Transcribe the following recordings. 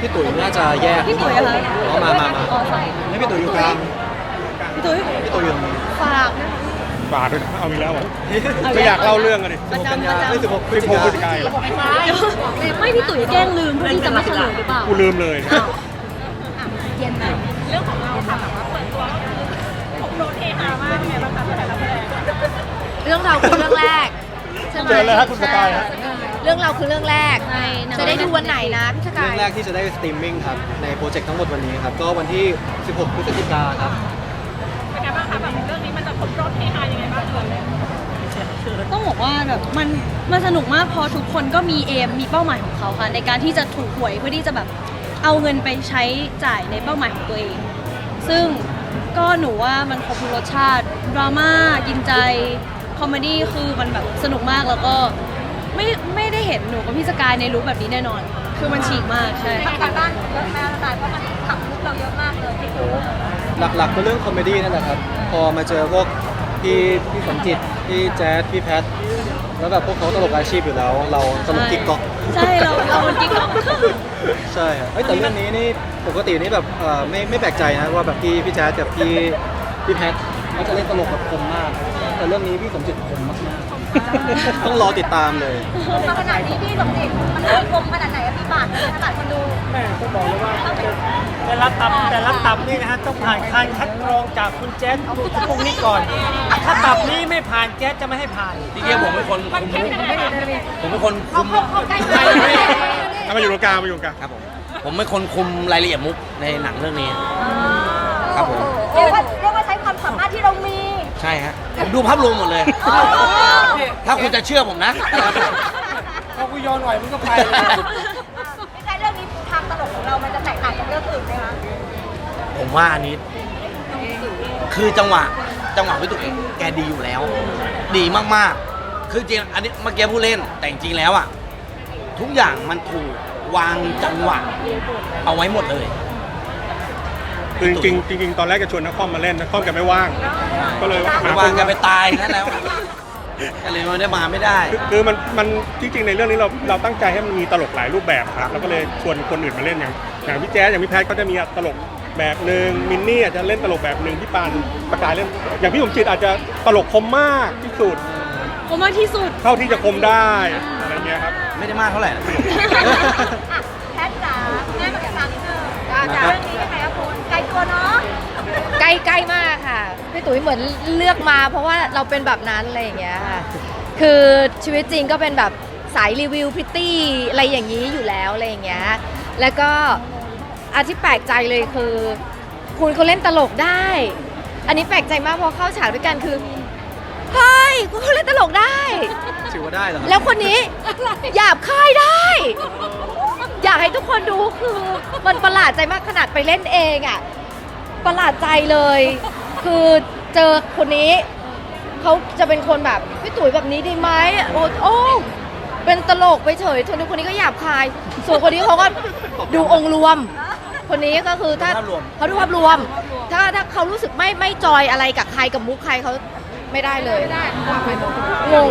พี่ตุ๋ยน่าจะแยกพี่ตุ๋ยอะไรอ๋อมาอ๋อใช่นี่พี่ตุ๋ยอยู่กลางพี่ตุ๋ยพี่ตุ๋ยอยู่ตรงนี้ฝากนะคะบาทด้วยนะเอาอีกแล้วเหรอไม่อยากเล่าเรื่องกันดิประจำไม่16 พฤศจิ 16 พฤศจิกากายนเหรอไม่พี่ตุ๋ยแกล้งลืมเพื่อที่จะไม่เฉลยหรือเปล่ากูลืมเลยเย็นไหมเรื่องของเราค่ะแบบว่าเปิดตัวก็คือผมโดนเทหามากไงบ้างคะแต่ละประเด็นเรื่องเราคือเรื่องแรกใช่ไหมเจอเลยครับคุณสกายฮะเรื่องเราคือเรื่องแรกใช่จะได้ดูวันไหนนะพี่สกาเรื่อย งแรกที่จะได้สตรีมมิ่งครับในโปรเจกต์ทั้งหมดวันนี้ครับก็วันที่ 16 พฤศจิกายนครับเป็นไงบ้างคะแบบเรื่องนี้มันจะครบรอบเฮฮายังไงบ้างเลยต้องบอกว่าแบบมันสนุกมากเพราะทุกคนก็มีเอมมีเป้าหมายของเขาค่ะในการที่จะถูกหวยเพื่อที่จะแบบเอาเงินไปใช้จ่ายในเป้าหมายของตัวเอง ซึ่งก็หนูว่ามันครบทุกรสชาติดราม่ากินใจคอมเมดี้คือมันแบบสนุกมากแล้วก็ไม่ได้เห็นหนูกับพี่สกายในลุคแบบนี้แน่นอน คือมันฉีกมากใช่การบ้านเยอะแม่สกายเพราะมันขับลุกเราเยอะมากเลยที่ดูหลักๆก็เรื่องคอมเมดี้นั่นแหละครับพอมาเจอพวกพี่สมจิตพี่แจ๊ดพี่แพทแล้วแบบพวกเขาตลกอาชีพอยู่แล้ว เราตลกกิ๊กก๊อกใช่เรามันกิ๊กก๊อกใช่ครับแต่เรื่องนี้นี่ปกตินี่แบบไม่แปลกใจนะว่าแบบพี่แจ๊ดกับพี่แพทเขาจะเล่นตลกแบบคมมาก แต่เรื่องนี้พี่สมจิตคมมากๆต้องรอติดตามเลยมาขนาดนี้พี่สมจิตมันมีคมขนาดไหนอะพี่บาทขนาดคนดูแม่ต้องบอกเลยว่าแต่ละตับนี่นะฮะต้องผ่านการคัดกรองจากคุณแจ๊สพวกนี้ก่อน ถ้าตับนี้ไม่ผ่านแจ๊สจะไม่ให้ผ่านจริงๆผมเป็นคนคุมผมเป็นคนคุมเขาใกล้ไปเอามาอยู่ตรงกลางมาอยู่ตรงกลางครับผมเป็นคนคุมรายละเอียดมุกในหนังเรื่องนี้ ครับผมเรียกว่าใช้ความสามารถที่เรามีใช่ฮะผมดูภาพรวมหมดเลย ถ้าคุณจะเชื่อผมนะพอกูโยนหน่อยมันก็ไปเลยไม่ใช่เรื่องนี้ทางตลกของเรามันจะแตกต่างจากเรื่องอื่นไหมคะผมว่าอันนี้ คือจังหวะพี่ตุ๊กเองแกดีอยู่แล้ว ดีมากๆ คือจริงอันนี้เมื่อกี้ผู้เล่นแต่จริงๆแล้วอ่ะทุกอย่างมันถูกวางจังหวะเอาไว้หมดเลยคือจริงๆตอนแรกจะชวนนักคอมมาเล่นนักคอมแกไม่ว่าง ก็เลยหาควางนกันไปตายนั่นแล้วก็เลยไม่ได้มาไม่ได้คือมันจริงๆในเรื่องนี้เราตั้งใจให้มันมีตลกหลายรูปแบบครับแล้วก็เลยชวนคนอื่นมาเล่นอย่างพี่แจ๊สอย่างพี่แพทก็จะมีตลกแบบหนึ่งมินนี่อาจจะเล่นตลกแบบหนึ่งพี่ปานประกายเล่นอย่างพี่สมจิตอาจจะตลกคมมากที่สุดผมมากที่สุดเท่าที่จะคมได้อะไรเงี้ยครับไม่ได้มากเท่าไหร่นะแพทจ๋าแม่มากับครั้งนึงจากเรื่องนี้ยังไงคะคุณไกลตัวเนาะใกล้มากค่ะพี่ตุ๋ยเหมือนเลือกมาเพราะว่าเราเป็นแบบนั้นอะไรอย่างเงี้ยค่ะคือชีวิตจริงก็เป็นแบบสายรีวิวพริตตี้อะไรอย่างนี้อยู่แล้วอะไรอย่างเงี้ยแล้วก็อาที่แปลกใจเลยคือคุณเขาเล่นตลกได้ อันนี้แปลกใจมากเพราะเข้าฉากด้วยกันคือเฮ้ยคุณเขาเล่นตลกได้ถือว่าได้เหรอครับแล้วคนนี้หยาบคายได้ อยากให้ทุกคนดูคือมันประหลาดใจมากขนาดไปเล่นเองอ่ะประหลาดใจเลย คือเจอคนนี้เขาจะเป็นคนแบบพี่ตุ๋ยแบบนี้ดีไหมโอ้เป็นตลกไปเฉยส่วนคนนี้ก็หยาบคาย ส่วนคนนี้เขาก็ดูองค์รวม คนนี้ก็คือถ้าเขาดูภาพรวม ถ้าเขารู้สึกไม่จอยอะไรกับใครกับมุกใครเขาไม่ได้เลยงง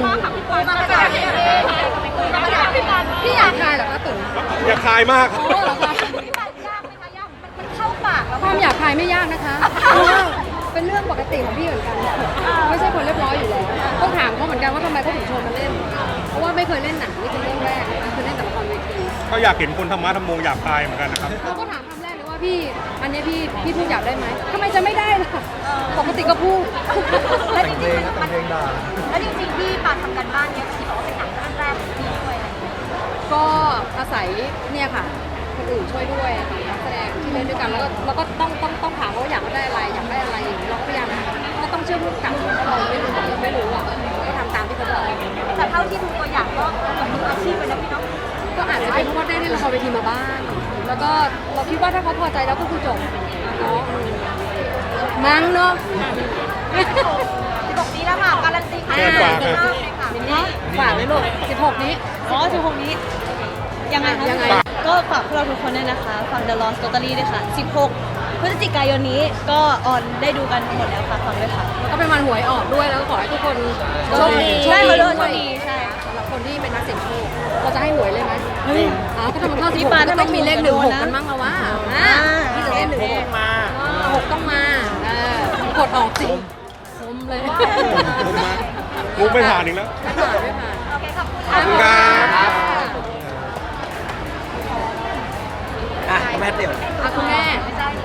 พี่อยากคายเหรอคะตุ๋ยอย่าคายมากครับพี่บาทยากไหมคะยากมันเข้าปากแล้วความอยากคายไม่ยากนะคะเป็นเรื่องปกติของพี่เหมือนกัน ไม่ใช่คนเรียบร้อยอยู่แล้วต้องถามเขาเหมือนกันว่าทำไมเขาถึงชวนมาเล่น เพราะว่าไม่เคยเล่นหนังนี่เป็นเรื่องแรกนะคะคือเล่นแต่ละครเวทีก็อยากเห็นคนธรรมะธรรมโมอยากคายเหมือนกันนะครับเราก็ถามคำแรกเลยว่าพี่อันนี้พี่พูดอยากได้ไหมทำไมจะไม่ได้ล่ะปกติก็พูดแล้วจริงๆมันแล้วจริงๆพี่ปาทำกันบ้านเนี้ยที่บอกว่าเป็นหนังเรื่องแรกของพี่ด้วยอะไรอย่างเงี้ยก็อาศัยเนี่ยค่ะคนอื่นช่วยด้วยค่ะนักแสดงที่เล่นด้วยกันแล้วก็ต้องถามว่าอยากได้อะไรอย่างนี้เราก็พยายามก็ต้องเชื่อผู้กำกับเราไม่รู้อ่ะก็ทำตามที่เขาบอกแต่เท่าที่ดูตัวอย่างก็แบบมืออาชีพเลยนะพี่เนาะก็อาจจะเป็นเพราะว่าได้เล่นละครเวทีมาบ้างแล้วก็เราคิดว่าถ้าเขาพอใจแล้วก็คือจบเนาะมั้งเนาะ 16 นี้แล้วค่ะการันตีค่ะฝากค่ะมินนี่ฝากเลยลูก16 นี้อ๋อ16 นี้ ยังไงคะยังไงก็ฝากพวกเราทุกคนด้วยนะคะฝาก The Lost Totally ด้วยค่ะ 16 พฤศจิกายนนี้ก็ออนได้ดูกันหมดแล้วค่ะฟังด้วยค่ะก็เป็นวันหวยออกด้วยแล้วก็ขอให้ทุกคนโชคดีโชใช่คค่ะดีโชคดีใช่สำหรับคนที่เป็นนักเสี่ยงโชคเราจะให้หวยเลยไหมก็ถ้ามันเข้าพี่ 16 ปาก็ต้องมีเลขถ้าไม่ถูก 16กันบ้างแล้วว่าพี่จะเล่นหรือ 6ต้องมา 6ต้องมา กดออกสิคมเลยมุกไม่ผ่านอีกแล้วไม่ผ่านไม่ผ่านโอเคขอบคุณขอบคุณครับอ่ะแม่เตี่ยวคุณแม่ไม่ใช่